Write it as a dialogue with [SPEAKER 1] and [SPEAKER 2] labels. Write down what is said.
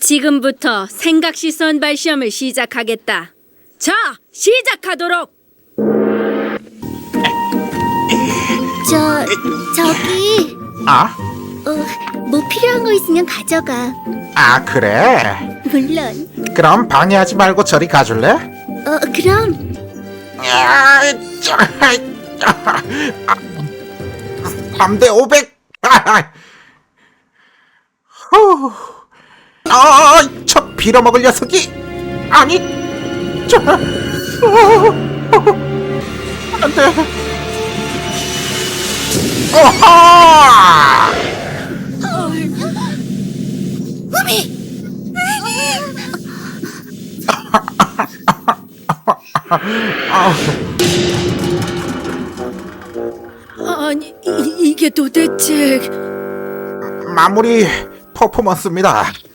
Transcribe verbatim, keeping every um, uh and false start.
[SPEAKER 1] 지금부터 생각시선 발시험을 시작하겠다. 자, 시작하도록.
[SPEAKER 2] 저, 저기,
[SPEAKER 3] 아?
[SPEAKER 2] 어, 뭐 필요한 거 있으면 가져가.
[SPEAKER 3] 아, 그래?
[SPEAKER 2] 물론.
[SPEAKER 3] 그럼 방해하지 말고 저리 가줄래?
[SPEAKER 2] 어, 그럼.
[SPEAKER 3] 야, 자, 삼 대 오백. 후. 아, 저 빌어먹을 녀석이. 아니, 저, 어, 안 돼. 오하!
[SPEAKER 1] 아니, 이, 이게 도대체...
[SPEAKER 3] 마무리 퍼포먼스입니다.